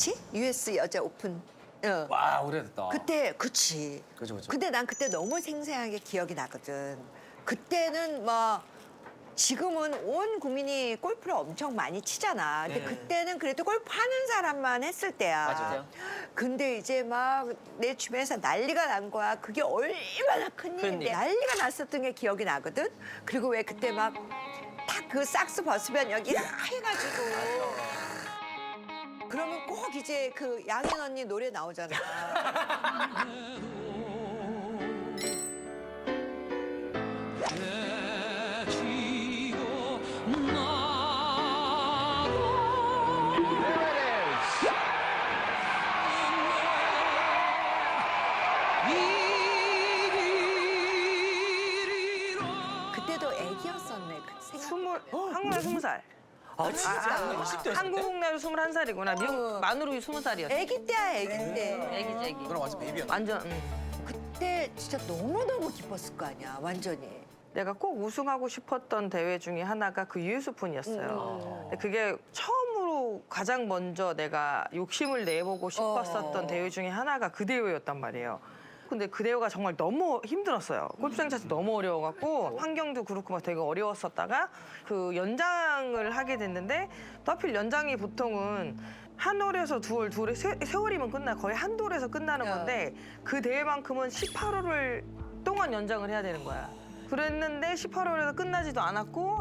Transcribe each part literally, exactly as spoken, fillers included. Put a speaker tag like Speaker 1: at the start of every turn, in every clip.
Speaker 1: 뭐지? 유에스 여자 오픈. 어.
Speaker 2: 와 오래됐다.
Speaker 1: 그때 그치.
Speaker 2: 그죠, 그죠.
Speaker 1: 근데 난 그때 너무 생생하게 기억이 나거든. 그때는 뭐 지금은 온 국민이 골프를 엄청 많이 치잖아. 근데
Speaker 2: 네.
Speaker 1: 그때는 그래도 골프 하는 사람만 했을 때야.
Speaker 2: 맞아요.
Speaker 1: 근데 이제 막 내 주변에서 난리가 난 거야. 그게 얼마나 큰 일인데
Speaker 3: 일.
Speaker 1: 난리가 났었던 게 기억이 나거든. 그리고 왜 그때 막 딱 그 삭스 벗으면 여기 해가지고. 그러면 꼭 이제 그 양현 언니 노래 나오잖아. 그때도 애기였었네. 그 생각.
Speaker 4: 스물, 한국에 스무 살.
Speaker 2: 아 진짜?
Speaker 4: 아,
Speaker 2: 이십 대였을 때?
Speaker 4: 한국 나이 스물한 살이구나. 미국
Speaker 1: 어.
Speaker 4: 만으로 스무 살이었어.
Speaker 1: 애기 때야, 애기 때.
Speaker 4: 애기지, 애기.
Speaker 2: 그럼 완전 베이비였네.
Speaker 4: 완전, 응.
Speaker 1: 그때 진짜 너무너무 기뻤을 거 아니야, 완전히.
Speaker 4: 내가 꼭 우승하고 싶었던 대회 중에 하나가 그 유에스 오픈이었어요. 근데 그게 처음으로 가장 먼저 내가 욕심을 내보고 싶었었던
Speaker 1: 어.
Speaker 4: 대회 중에 하나가 그 대회였단 말이에요. 근데 그 대회가 정말 너무 힘들었어요. 골프장 자체 너무 어려워갖고 환경도 그렇고 막 되게 어려웠었다가 그 연장을 하게 됐는데 또 하필 연장이 보통은 한 홀에서 두 홀, 두 홀에 세, 세월이면 끝나 거의 한 돌에서 끝나는 건데 그 대회만큼은 십팔 홀을 동안 연장을 해야 되는 거야. 그랬는데 십팔 홀에서 끝나지도 않았고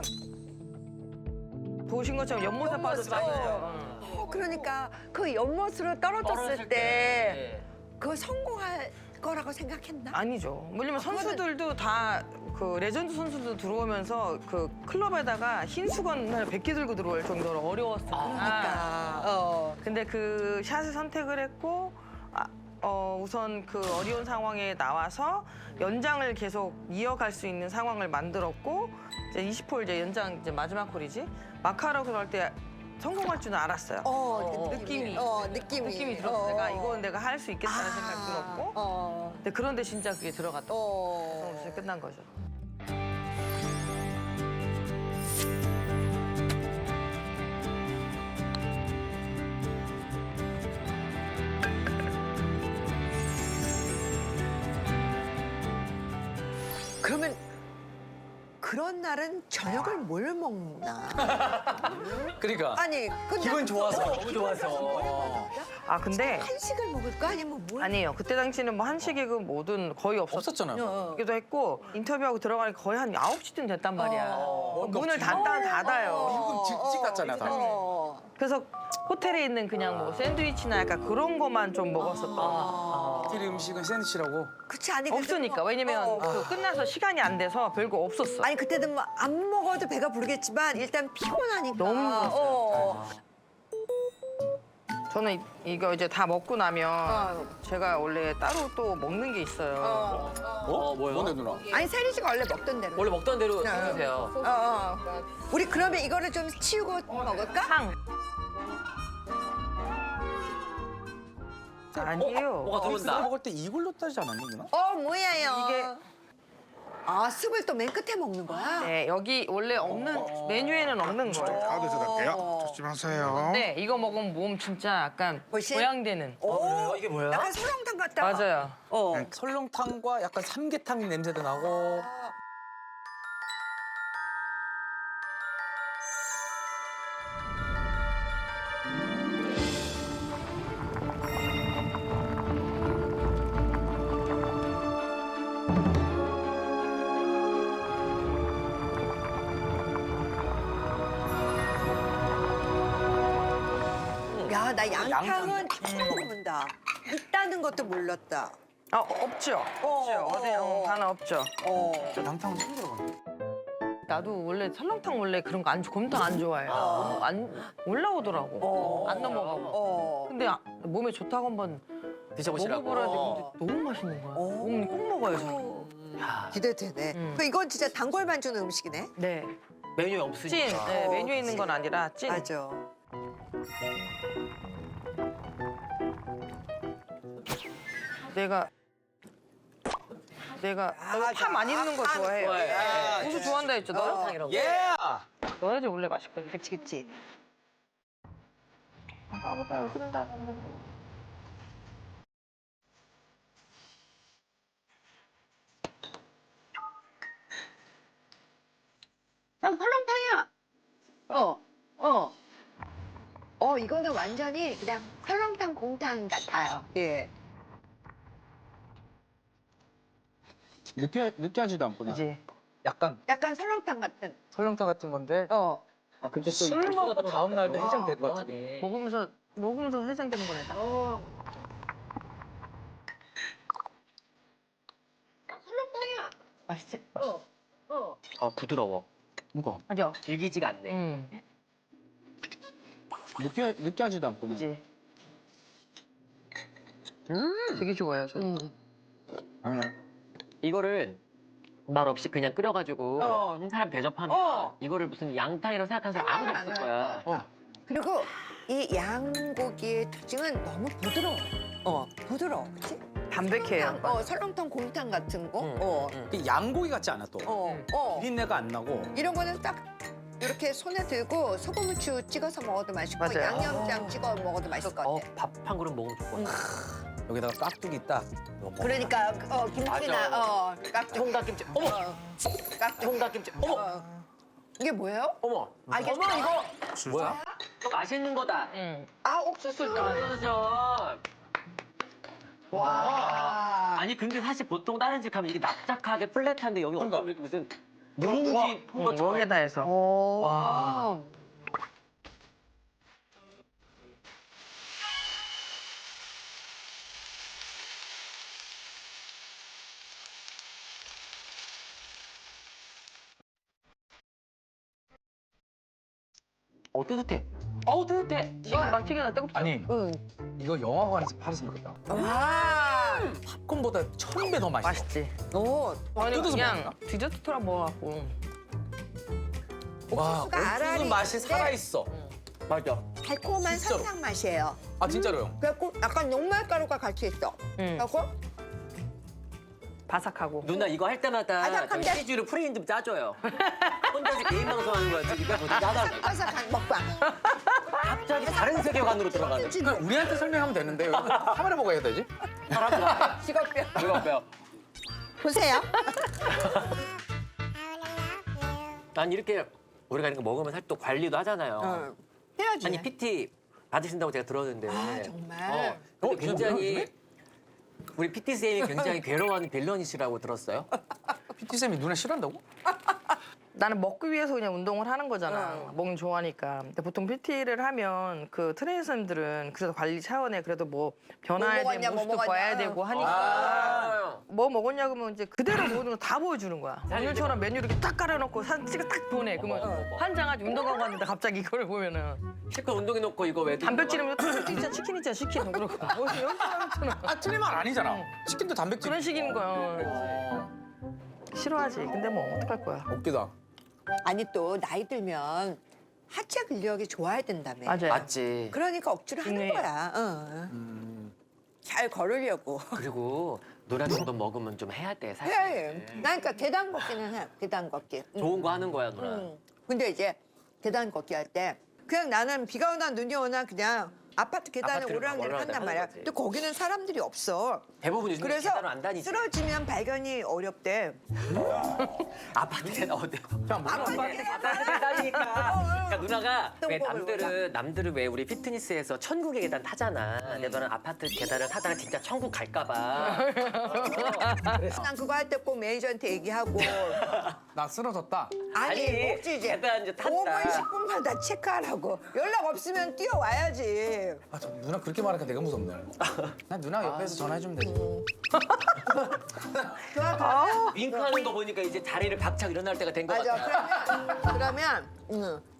Speaker 4: 보신 것처럼 연못에 빠졌잖아요.
Speaker 1: 어, 그러니까 그 연못으로 떨어졌을 때 그거 성공할 거라고 생각했나?
Speaker 4: 아니죠. 왜냐면
Speaker 1: 아, 그거는-
Speaker 4: 선수들도 다 그 레전드 선수들 들어오면서 그 클럽에다가 흰 수건을 백 개 들고 들어올 정도로 어려웠으니까.
Speaker 1: 그러니까. 어.
Speaker 4: 근데 그 샷을 선택을 했고 아, 어, 우선 그 어려운 상황에 나와서 연장을 계속 이어갈 수 있는 상황을 만들었고 이제 이십 홀 이제 연장 이제 마지막 홀이지 마카로 그럴 때 성공할 줄은 알았어요.
Speaker 1: 어,
Speaker 4: 느낌이.
Speaker 1: 어, 느낌이.
Speaker 4: 느낌이 들었어.
Speaker 1: 어.
Speaker 4: 내가 이건 내가 할 수 있겠다는 생각이 들었고.
Speaker 1: 어.
Speaker 4: 근데 그런데 진짜 그게 들어갔다.
Speaker 1: 어.
Speaker 4: 그럼 진짜 끝난 거죠.
Speaker 1: 그러면 그런 날은 저녁을 뭘 먹나?
Speaker 2: 그러니까
Speaker 1: 아니, 끝나고
Speaker 2: 기분 좋아서
Speaker 1: 어,
Speaker 2: 너무 좋아서.
Speaker 4: 아 근데
Speaker 1: 한식을 먹을까 아니면 뭘?
Speaker 4: 아니에요. 그때 당시는 뭐 한식이든 뭐든 거의
Speaker 2: 없었잖아요.
Speaker 1: 어.
Speaker 4: 기도 했고 인터뷰하고 들어가니까 거의 한 아홉 시쯤 됐단 말이야.
Speaker 2: 어,
Speaker 4: 문을
Speaker 2: 없지.
Speaker 4: 닫다 닫아요.
Speaker 2: 미국은 집 같잖아, 다.
Speaker 1: 어.
Speaker 4: 그래서 호텔에 있는 그냥 뭐 샌드위치나 약간 그런 거만 좀 먹었었던.
Speaker 2: 호텔 음식은 샌드위치라고.
Speaker 1: 그치 아니 그때는
Speaker 4: 없으니까.
Speaker 1: 뭐-
Speaker 4: 왜냐면
Speaker 1: 어.
Speaker 4: 그 끝나서 시간이 안 돼서 별거 없었어.
Speaker 1: 아니 그때는 뭐 안 먹어도 배가 부르겠지만 일단 피곤하니까.
Speaker 4: 너무 힘들었어요.
Speaker 1: 어.
Speaker 4: 저는 이- 이거 이제 다 먹고 나면
Speaker 1: 어.
Speaker 4: 제가 원래 따로 또 먹는 게 있어요.
Speaker 1: 어.
Speaker 3: 어, 뭐요?
Speaker 2: 뭔데 누나?
Speaker 1: 아니 세리 씨가 원래 먹던 대로.
Speaker 3: 원래 먹던 대로
Speaker 1: 네.
Speaker 3: 해주세요.
Speaker 1: 어, 어. 우리 그러면 이거를 좀 치우고 먹을까?
Speaker 4: 상. 아니에요.
Speaker 3: 뭐가
Speaker 2: 나
Speaker 3: 들어온다.
Speaker 2: 먹을 때 이걸로 따지 않았니 누나?
Speaker 1: 어 뭐야요?
Speaker 4: 이게-
Speaker 1: 아 습을 또 맨 끝에 먹는 거야?
Speaker 4: 네, 여기 원래 없는 메뉴에는 없는 거예요.
Speaker 5: 가운데서 갈게요. 조심하세요.
Speaker 4: 네, 이거 먹으면 몸 진짜 약간
Speaker 1: 훨씬?
Speaker 4: 보양되는.
Speaker 1: 오,
Speaker 3: 그래요? 이게 뭐야?
Speaker 1: 약간 설렁탕 같다.
Speaker 4: 맞아요.
Speaker 1: 어.
Speaker 2: 설렁탕과 약간 삼계탕 냄새도 나고.
Speaker 1: 야, 나 양탕은 처음 먹어본다. 있다는 것도 몰랐다.
Speaker 4: 아, 없죠. 없죠. 어디 어, 하나 없죠.
Speaker 1: 어.
Speaker 2: 양탕은 처음 들어봤네.
Speaker 4: 나도 원래 설렁탕 원래 그런 거 안 곰탕 안 좋아해요. 너무 안 올라오더라고.
Speaker 1: 어.
Speaker 4: 안 넘어가고.
Speaker 1: 어.
Speaker 4: 근데 아, 몸에 좋다고 한번
Speaker 3: 드셔보시라고.
Speaker 4: 먹어보라 했는데 너무 맛있는 거야.
Speaker 1: 어.
Speaker 4: 어머니 꼭 먹어요, 저.
Speaker 3: 야,
Speaker 1: 기대되네.
Speaker 4: 음.
Speaker 1: 그 이건 진짜 단골만 주는 음식이네.
Speaker 4: 네.
Speaker 3: 메뉴에 없으니까.
Speaker 4: 찐. 네,
Speaker 1: 어,
Speaker 4: 메뉴에 있는
Speaker 1: 그치.
Speaker 4: 건 아니라 찐.
Speaker 1: 맞아.
Speaker 4: 내가 내가
Speaker 1: 아,
Speaker 4: 너 파 많이 넣는 거 좋아해요.
Speaker 3: 좋아해.
Speaker 4: 고수 좋아한다 했죠, 너?
Speaker 3: 설렁탕 이런 거.
Speaker 2: 예!
Speaker 4: 넣어야지 원래 맛있거든.
Speaker 1: 그치 그치.
Speaker 4: 아무나 흐른다.
Speaker 1: 난 설렁탕이야. 어, 어. 어, 이거는 완전히 그냥 설렁탕 곰탕 같아요. 예.
Speaker 2: 느끼 느끼하지도 않구나.
Speaker 4: 그지?
Speaker 2: 약간
Speaker 1: 약간 설렁탕 같은.
Speaker 2: 설렁탕 같은 건데.
Speaker 1: 어.
Speaker 2: 아, 근데 술 먹고 다음 날도 해장될 것 같아.
Speaker 4: 먹으면서 먹으면서 해장되는 거네. 다.
Speaker 1: 어. 설렁탕이야.
Speaker 4: 맛있지?
Speaker 1: 어. 어.
Speaker 3: 아 부드러워.
Speaker 2: 무거.
Speaker 4: 맞아.
Speaker 3: 질기지가 않네.
Speaker 4: 응.
Speaker 2: 느끼 느끼하지도 않구나.
Speaker 4: 그지?
Speaker 3: 음.
Speaker 4: 되게 좋아요. 저.
Speaker 1: 음.
Speaker 2: 아,
Speaker 3: 이거를 말 없이 그냥 끓여가지고
Speaker 1: 어.
Speaker 3: 한 사람 대접하면
Speaker 1: 어.
Speaker 3: 이거를 무슨 양탕이라고 생각하는 사람 아무도 없을 거야.
Speaker 2: 어.
Speaker 1: 그리고 이 양고기의 특징은 너무 부드러워. 어, 부드러워. 그치?
Speaker 4: 담백해요.
Speaker 1: 설렁탕, 어, 설렁탕 곰탕 같은 거.
Speaker 3: 응,
Speaker 1: 어.
Speaker 3: 응.
Speaker 2: 그 양고기 같지 않아 또.
Speaker 1: 어. 어.
Speaker 2: 비린내가 안 나고.
Speaker 1: 이런 거는 딱 이렇게 손에 들고 소금 후추 찍어서 먹어도 맛있고
Speaker 4: 맞아요.
Speaker 1: 양념장 찍어 먹어도 맛있을 것
Speaker 3: 어,
Speaker 1: 같아.
Speaker 3: 밥 한 그릇 먹으면 좋을 것 같아.
Speaker 2: 여기다가 깍두기 딱. 넣고.
Speaker 1: 그러니까 어, 김치나
Speaker 3: 맞아.
Speaker 1: 어, 깍두기.
Speaker 3: 총각김치. 어머!
Speaker 1: 어, 깍두기.
Speaker 3: 총각김치. 어머!
Speaker 1: 어. 이게 뭐예요?
Speaker 3: 어머!
Speaker 1: 아, 이게
Speaker 3: 어머 이거!
Speaker 2: 뭐야?
Speaker 3: 이거 맛있는 거다.
Speaker 4: 응.
Speaker 1: 아, 옥수수.
Speaker 3: 그죠?
Speaker 1: 와.
Speaker 3: 아니 근데 사실 보통 다른 집 가면 이게 납작하게 플랫한데 여기
Speaker 2: 그러니까.
Speaker 3: 어떤 무슨 누룽지
Speaker 4: 응, 여기다 해서.
Speaker 1: 오.
Speaker 4: 와.
Speaker 3: 어 뜨뜻해. 어우 뜨뜻해.
Speaker 4: 이거 막 튀겨나 뜨겁죠?
Speaker 2: 아니
Speaker 1: 응.
Speaker 2: 이거 영화관에서 팔았으면 좋겠다.
Speaker 1: 와.
Speaker 2: 팝콘보다 천 배 더 맛있어.
Speaker 4: 맛있지.
Speaker 1: 오.
Speaker 4: 아니
Speaker 2: 뜯어서
Speaker 4: 그냥
Speaker 2: 먹나?
Speaker 4: 디저트처럼 먹어갖고.
Speaker 2: 와,
Speaker 1: 옥수수가 알알이
Speaker 2: 옥수수 맛이
Speaker 1: 있는데
Speaker 2: 살아 있어.
Speaker 3: 맞아.
Speaker 1: 달콤한
Speaker 2: 진짜로.
Speaker 1: 설탕 맛이에요.
Speaker 2: 아 진짜로요?
Speaker 1: 그래갖고 약간 녹말가루가 같이 있어.
Speaker 4: 응.
Speaker 1: 그래갖고
Speaker 4: 바삭하고.
Speaker 3: 누나 이거 할 때마다
Speaker 1: 바삭한데?
Speaker 3: 치즈를 프레임 좀 짜줘요. 혼자서 개인 방송하는 거야. 지금 이거 짜다.
Speaker 1: 바삭한 먹방.
Speaker 3: 갑자기 다른 세계관으로 들어가는.
Speaker 2: 그냥 우리한테 설명하면 되는데 왜 카메라 보고 해야 되지?
Speaker 1: 직업병.
Speaker 3: 이거 빼요.
Speaker 1: 보세요.
Speaker 3: 난 이렇게 우리가 이런 거 먹으면 사실 또 관리도 하잖아요.
Speaker 1: 어. 해야지.
Speaker 3: 아니 피티 받으신다고 제가 들었는데.
Speaker 1: 아, 정말?
Speaker 3: 어, 근데
Speaker 2: 어,
Speaker 3: 굉장히
Speaker 2: 요즘에?
Speaker 3: 우리 피티 쌤이 굉장히 괴로워하는 빌런이시라고 들었어요.
Speaker 2: 피티 쌤이 누나 싫어한다고?
Speaker 4: 나는 먹기 위해서 그냥 운동을 하는 거잖아.
Speaker 1: 어.
Speaker 4: 먹는 좋아하니까. 근데 보통 피티를 하면 그 트레이너 선생님들은 그래도 관리 차원에 그래도 뭐 변화해야
Speaker 1: 뭐
Speaker 4: 되는
Speaker 1: 먹었냐, 뭐
Speaker 4: 모습도
Speaker 1: 먹었냐.
Speaker 4: 봐야 되고 하니까.
Speaker 3: 아.
Speaker 4: 뭐 먹었냐 그러면 이제 그대로 모든 걸 다 보여주는 거야. 오늘처럼 메뉴 이렇게 딱 깔아놓고 사진 찍어 딱 보내. 그러면
Speaker 3: 어머, 어머.
Speaker 4: 환장하지. 운동 가고 왔는데 갑자기 이거를 보면은
Speaker 3: 실컷 운동해 놓고 이거 왜
Speaker 4: 단백질이면 치킨 있잖아, 치킨 있잖아, 치킨. 그러고 뭐 이런 사람처럼
Speaker 2: 아 틀린 말 아니잖아. 치킨도 단백질.
Speaker 4: 그런 식인 거야.
Speaker 2: 어,
Speaker 4: 싫어하지. 근데 뭐 어떡할 거야.
Speaker 2: 웃기다.
Speaker 1: 아니 또 나이 들면 하체 근력이 좋아야 된다며.
Speaker 4: 맞아요.
Speaker 3: 맞지.
Speaker 1: 그러니까 억지로 하는
Speaker 4: 중요해요.
Speaker 1: 거야. 어.
Speaker 2: 음.
Speaker 1: 잘 걸으려고.
Speaker 3: 그리고 노란 정도 먹으면 좀 해야 돼 사실.
Speaker 1: 해. 나 그러니까 계단 걷기는 해. 계단 걷기. 응.
Speaker 3: 좋은 거 하는 거야 누나.
Speaker 1: 응. 근데 이제 계단 걷기 할 때 그냥 나는 비가 오나 눈이 오나 그냥 아파트 계단을
Speaker 3: 아파트를
Speaker 1: 오르락내리락
Speaker 3: 오르락내리락
Speaker 1: 한단
Speaker 3: 하는
Speaker 1: 말이야.
Speaker 3: 거지.
Speaker 1: 근데 거기는 사람들이 없어.
Speaker 3: 대부분 요즘
Speaker 1: 그래서
Speaker 3: 계단을 안 다니지.
Speaker 1: 쓰러지면 발견이 어렵대.
Speaker 3: 아파트 계단 어때?
Speaker 2: 그냥 뭐
Speaker 1: 아파트
Speaker 3: 아파트 계단이니까. 그러니까 누나가 왜
Speaker 1: 똥법을
Speaker 3: 남들은 남들은 왜 우리 피트니스에서 천국의 계단 타잖아. 근데 너는 아파트 계단을 타다가 진짜 천국 갈까봐.
Speaker 1: 난 그거 할 때 꼭 매니저한테 얘기하고
Speaker 2: 나 쓰러졌다.
Speaker 1: 아니,
Speaker 3: 아니,
Speaker 1: 없지 이제
Speaker 3: 계단 이제 탔다.
Speaker 1: 오 분 십 분마다 체크하라고. 연락 없으면 뛰어와야지.
Speaker 2: 아, 저 누나 그렇게 말하니까 내가 무섭네. 난 누나 옆에서 전화해주면 되지.
Speaker 1: 좋아, 좋아.
Speaker 3: 윙크하는 거 보니까 이제 자리를 박차고 일어날 때가 된 것
Speaker 1: 맞아.
Speaker 3: 같아.
Speaker 1: 그러면 그러면 응.